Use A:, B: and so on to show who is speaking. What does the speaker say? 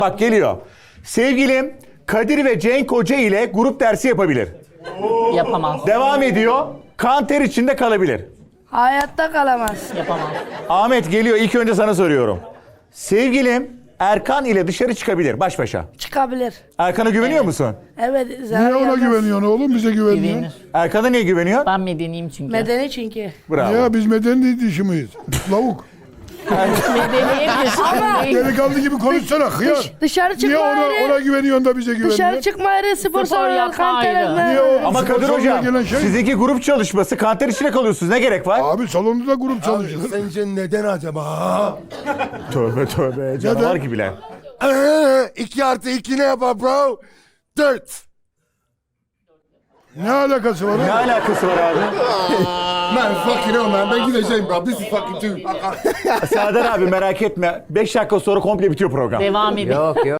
A: Bak geliyor. Sevgilim Kadir ve Cenk Hoca ile grup dersi yapabilir.
B: Yapamaz.
A: Devam ediyor. Kan ter içinde kalabilir.
C: Hayatta kalamaz.
B: Yapamaz.
A: Ahmet geliyor. İlk önce sana soruyorum. Sevgilim Erkan ile dışarı çıkabilir baş başa.
C: Çıkabilir.
A: Erkan'a güveniyor musun?
C: Evet.
D: Niye ona güveniyorsun oğlum? Bize güveniyor.
B: Güvenir.
A: Erkan'a niye güveniyor?
B: Ben medeniyim çünkü.
C: Medeni çünkü.
A: Bravo.
D: Ya biz medeni dişi miyiz? Lavuk.
B: Medeniyim de
D: Delikanlı gibi konuşsana hıyar.
C: Dışarı
D: Niye
C: çıkma
D: ona
C: ayrı.
D: güveniyorsun da bize güveniyor?
C: Dışarı çıkma ayrı. Spor salonu
B: yapma
C: kanter
B: ayrı.
C: etme.
D: Niye o
A: Ama
D: spor
A: Kadir
D: salonuna
A: Hocam
D: gelen şey?
A: sizinki grup çalışması kanter içinde kalıyorsunuz. Ne gerek var?
D: Abi salonda da grup çalışılır.
E: Sence neden acaba?
A: Tövbe tövbe canavar gibiler.
E: 2 artı 2 ne yapar bro? 4.
D: Ne alakası var?
A: Ne alakası var abi?
E: Man fucking hell man. Ben gideceğim bro. This is fucking too.
A: Serdar abi merak etme. 5 dakika sonra komple bitiyor program.
B: devam edin.
F: Yok yok.